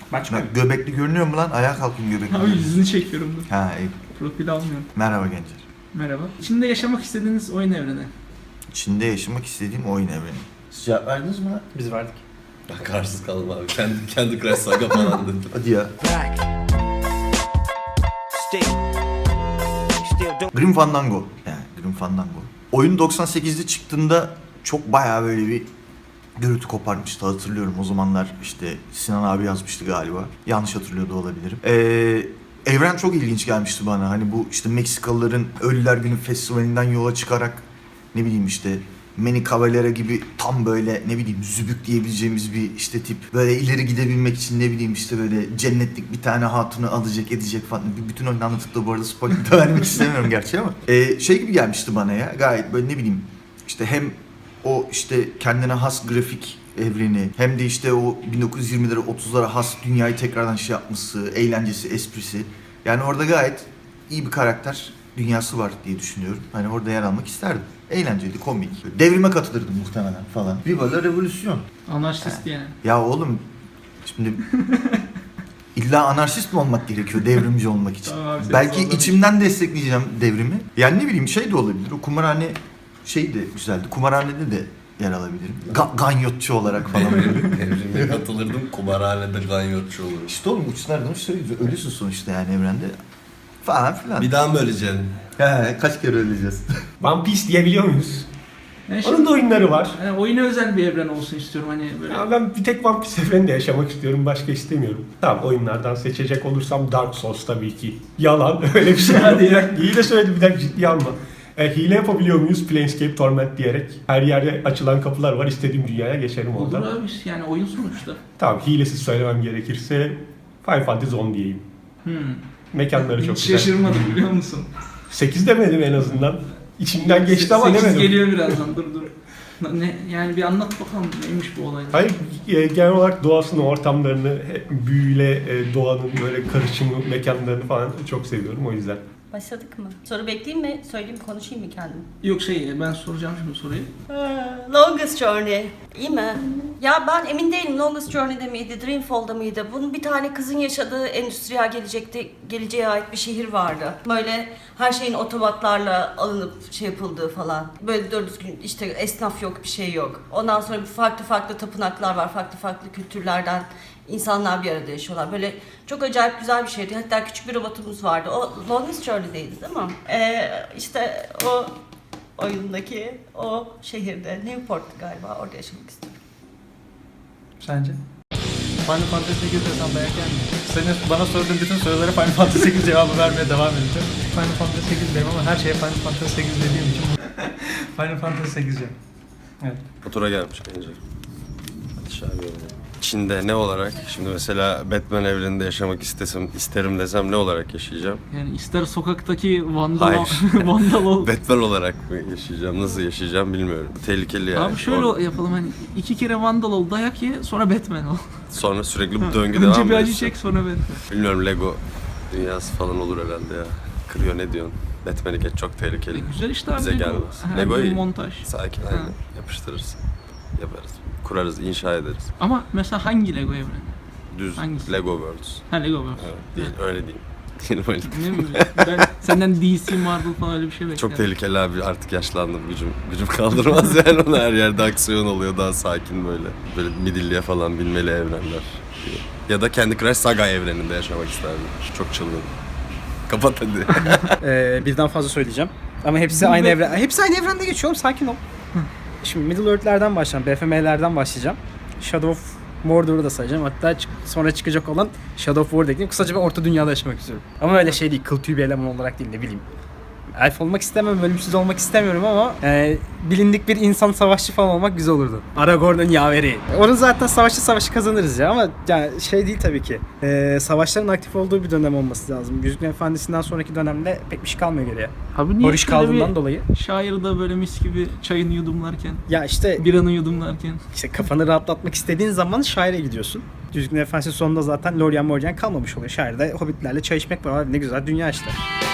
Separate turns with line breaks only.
Başka?
Göbekli görünüyor mu lan? Ayağa kalkayım göbekli.
Abi yüzünü çekiyorum dur.
Ha iyi.
Profil almıyorum.
Merhaba gençler.
Merhaba. İçinde yaşamak istediğiniz oyun evreni.
İçinde yaşamak istediğim oyun evreni. Siz cevap verdiniz mi lan?
Biz verdik.
Ben kararsız kaldım abi. Kendi Crash Saga falan dedim.
Hadi ya. Grim Fandango. Yani Grim Fandango. Oyun 98'de çıktığında çok bayağı böyle bir gürültü koparmıştı, hatırlıyorum. O zamanlar işte Sinan abi yazmıştı galiba. Yanlış hatırlıyor da olabilirim. Evren çok ilginç gelmişti bana. Hani bu işte Meksikalıların Ölüler Günü Festivali'nden yola çıkarak ne bileyim işte Manny Cavalera gibi tam böyle ne bileyim zübük diyebileceğimiz bir işte tip. Böyle ileri gidebilmek için ne bileyim işte böyle cennetlik bir tane hatunu alacak edecek falan. Bütün oyunu anlatıp da bu arada spoiler da vermek istemiyorum gerçi ama. Şey gibi gelmişti bana ya, gayet böyle ne bileyim işte hem o işte kendine has grafik evreni hem de işte o 1920'lere 30'lara has dünyayı tekrardan şey yapması, eğlencesi, esprisi. Yani orada gayet iyi bir karakter dünyası var diye düşünüyorum. Hani orada yer almak isterdim. Eğlenceli, komik. Devrime katılırdım muhtemelen falan. Viva la revolüsyon.
Anarşist yani.
Ya oğlum şimdi illa anarşist mi olmak gerekiyor devrimci olmak için?
Tamam abi,
Belki
seni
içimden destekleyeceğim devrimi. Yani ne bileyim şey de olabilir. O kumarhane şey de güzeldi. Kumarhanede de yer alabilirim. Ganyotçu olarak falan böyle.
Devrime katılırdım. Kumarhanede ganyotçu olurum.
İşte oğlum uçlardan söylüyoruz. Ölüsün sonuçta yani evrende. Falan filan.
Bir daha mı öleceksin?
He, kaç kere öleceğiz?
One Piece diyebiliyor muyuz?
Yani
Onun da oyunları var.
yani oyuna özel bir evren olsun istiyorum hani böyle.
Ya ben bir tek One Piece evreninde yaşamak istiyorum. Başka istemiyorum. Tamam, oyunlardan seçecek olursam Dark Souls tabii ki. Yalan, öyle bir şey değil. İyi de söyledim, bir dakika ciddiye alma. Hile yapabiliyor muyuz? Planescape Torment diyerek. Her yerde açılan kapılar var. İstediğim dünyaya geçerim
Olur
oradan.
abi yani oyun sonuçta.
Tamam, hilesiz söylemem gerekirse Final Fantasy 10 diyeyim. Mekanları çok
Hiç
güzel.
şaşırmadım biliyor musun?
8 demedim en azından. İçimden geçti ama
8
demedim.
geliyor birazdan dur. Ne, yani bir anlat bakalım neymiş bu olay.
Hayır, genel olarak doğasını, ortamlarını, büyüyle doğanın böyle karışımı, mekanlarını falan çok seviyorum o yüzden.
Başladık mı? Soru bekleyeyim mi? Söyleyeyim, konuşayım mı kendim?
Yok ben soracağım şimdi soruyu.
Longest Journey. İyi mi? Ya ben emin değilim Longest Journey'de miydi, Dreamfall'da mıydı? Bunun bir tane kızın yaşadığı endüstriyel geleceğe ait bir şehir vardı. Böyle her şeyin otomatlarla alınıp şey yapıldığı falan. Böyle doğru düzgün işte esnaf yok, bir şey yok. Ondan sonra farklı tapınaklar var, farklı kültürlerden insanlar bir arada yaşıyorlar. Böyle çok acayip güzel bir şeydi. Hatta küçük bir robotumuz vardı. O Longest Journey'deydi değil mi? İşte o oyundaki o şehirde, Newport'tu galiba, orada yaşamak istiyorum.
Sence? Final Fantasy 8 desem dayak gelmiyor. Senin bana sorduğun bütün sorulara Final Fantasy 8 cevabı vermeye devam edeceğim. Final Fantasy 8 derim ama her şeye Final Fantasy 8 dediğim için Final Fantasy 8 diyorum. Evet.
Fatura gelmiş bence. Hadi şahane. Çin'de ne olarak? Şimdi mesela Batman evreninde yaşamak isterim desem ne olarak yaşayacağım?
Yani ister sokaktaki vandal,
Hayır.
vandal ol.
Batman olarak mı yaşayacağım? Nasıl yaşayacağım bilmiyorum. Tehlikeli yani.
Abi şöyle yapalım hani 2 kere vandal ol, dayak ye, sonra Batman ol.
Sonra sürekli bu döngü
Önce
devam
bir acı
ediyor.
çek sonra Batman.
Bilmiyorum, Lego dünyası falan olur herhalde ya. Kırıyor, ne diyorsun? Batman'i geç, çok tehlikeli.
Güzel işte abi.
Bize gelmez.
Her
Lego
gün
iyi.
montaj.
Sakin, aynen. Yapıştırırız. Yaparız. Kurarız, inşa ederiz.
Ama mesela hangi Lego evreni?
Düz
Hangisi?
Lego Worlds.
Ha Lego World.
Evet, değil, öyle değil. Değil öyle.
Ne bileyim ben senden DC, Marvel falan öyle bir şey bekliyorum.
Çok tehlikeli abi, artık yaşlandım, gücüm kaldırmaz yani, ona her yerde aksiyon oluyor, daha sakin böyle midilliye falan binmeli evrenler diye. Ya da Candy Crush Saga evreninde yaşamak isterdim. Çok çılgın. Kapat hadi.
Birden fazla söyleyeceğim. Ama hepsi aynı evren. Hepsi aynı evrende geçiyor oğlum, sakin ol. Şimdi Middle Earth'lerden başlayacağım. BFM'lerden başlayacağım. Shadow of Mordor'u da sayacağım. Hatta sonra çıkacak olan Shadow of War'da ekleyeyim. Kısaca ben Orta Dünya'da yaşamak istiyorum. Ama öyle şey değil, kıl tüy bir eleman olarak değil, ne bileyim. Elf olmak istemem, ölümsüz olmak istemiyorum ama bilindik bir insan savaşçı falan olmak güzel olurdu. Aragorn'un yaveri. Onun zaten savaşı kazanırız ya, ama yani şey değil tabii ki. Savaşların aktif olduğu bir dönem olması lazım. Yüzüklerin Efendisi'nden sonraki dönemde pek bir şey kalmıyor geriye.
Abi niye
Barış kaldığından dolayı.
Şair da böyle mis gibi çayını yudumlarken,
Ya işte
biranı yudumlarken.
kafanı rahatlatmak istediğin zaman şaire gidiyorsun. Yüzüklerin Efendisi sonunda zaten Lorien Morien kalmamış oluyor. Şairde hobbitlerle çay içmek var. Ne güzel dünya işte.